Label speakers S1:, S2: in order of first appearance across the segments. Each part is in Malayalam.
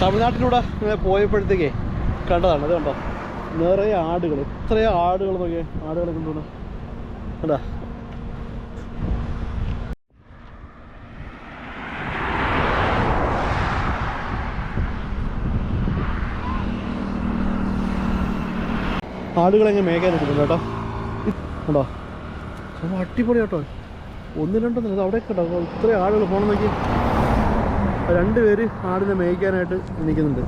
S1: തമിഴ്നാട്ടിലൂടെ ഇങ്ങനെ പോയപ്പോഴത്തേക്കേ കണ്ടതാണ്. അത് കണ്ടോ, നിറയെ ആടുകൾ, ഇത്രയും ആടുകൾ നോക്കിയേ, ആടുകളെ കൊണ്ടുപോകണം കണ്ടാ. ആടുകളെങ്ങനെ മേയ്ക്കാൻ എടുക്കുന്നുണ്ട് കേട്ടോ. കണ്ടോ, അടിപൊളി കേട്ടോ. ഒന്ന് രണ്ടൊന്നും അവിടെയൊക്കെ കേട്ടോ, ഇത്രയും ആടുകൾ പോകണം നോക്കി. 2 പേര് ആടിനെ മേയ്ക്കാനായിട്ട് നിൽക്കുന്നുണ്ട്.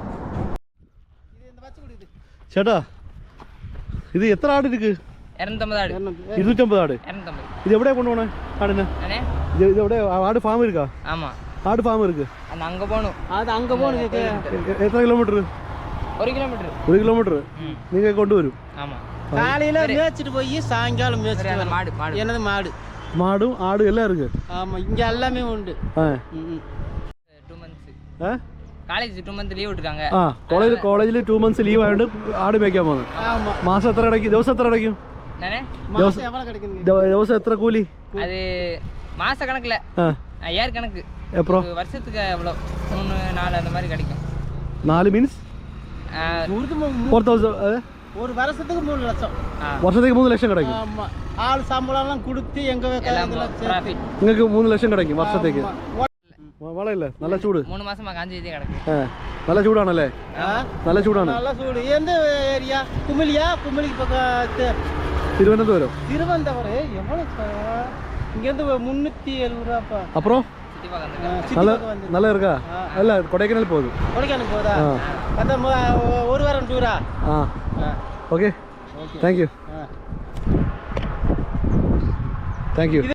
S1: ചേട്ടാ, ഇത് എത്ര ആട് ഇരിക്ക്? 250 ആട്. ഇത് എവിടെയാ കൊണ്ടുപോണേ ആടിനെ? ഇത് എവിടെ ആട് ഫാം ഇരിക്കാ? ആട് ഫാം ഇരിക്ക്. എത്ര കിലോമീറ്റർ? 1 കിലോമീറ്റർ നിങ്ങൾ കൊണ്ടുവരും. മാടും ആടും എല്ലാം ഇருக்கு. കോളേജിൽ 2 months ലീവ് ആയതുകൊണ്ട് ആട് മേയ്ക്കാൻ പോകുന്നത്. മാസം എത്ര അടയ്ക്കും? ദിവസം എത്ര അടയ്ക്കും? ദിവസം എത്ര കൂലി?
S2: மாச கணக்குல 5000 கணக்கு.
S1: அப்புறம்
S2: வருஷத்துக்கு எவ்வளோ 3 4 அந்த மாதிரி கிடைக்கும்.
S1: 4 மீன்ஸ் 4000.
S3: ஒரு வருஷத்துக்கு 3 லட்சம்.
S1: வருஷத்துக்கு 3 லட்சம் கிடைக்கும்.
S3: ஆமா, ஆள் சம்பளம்லாம் கொடுத்து எங்க
S1: ப்ராஃபிட். നിങ്ങൾക്ക് 3 ലക്ഷം கிடைக்கும் വർഷത്തേക്ക്. വളയില്ലേ? നല്ല ചൂട്.
S2: 3 മാസமா കാഞ്ചി കിടക്കും.
S1: നല്ല ചൂടാണല്ലേ? നല്ല ചൂടാണ്.
S3: നല്ല ചൂട്. എന്ത് ഏരിയ? കുമിളിയാ? കുമിളിക്ക് പക്കത്ത്
S1: തിരുവനന്തപുരം.
S3: തിരുവനന്തപുരം എவ்வளவு? இங்கேருந்து 370 ரூபாப்பா.
S1: அப்புறம் நல்லா இருக்கா? இல்ல கொடைக்கானல் போகுது.
S3: கொடைக்கானல் போதா? அத ஒரு வாரம் டூரா?
S1: Okay, thank you.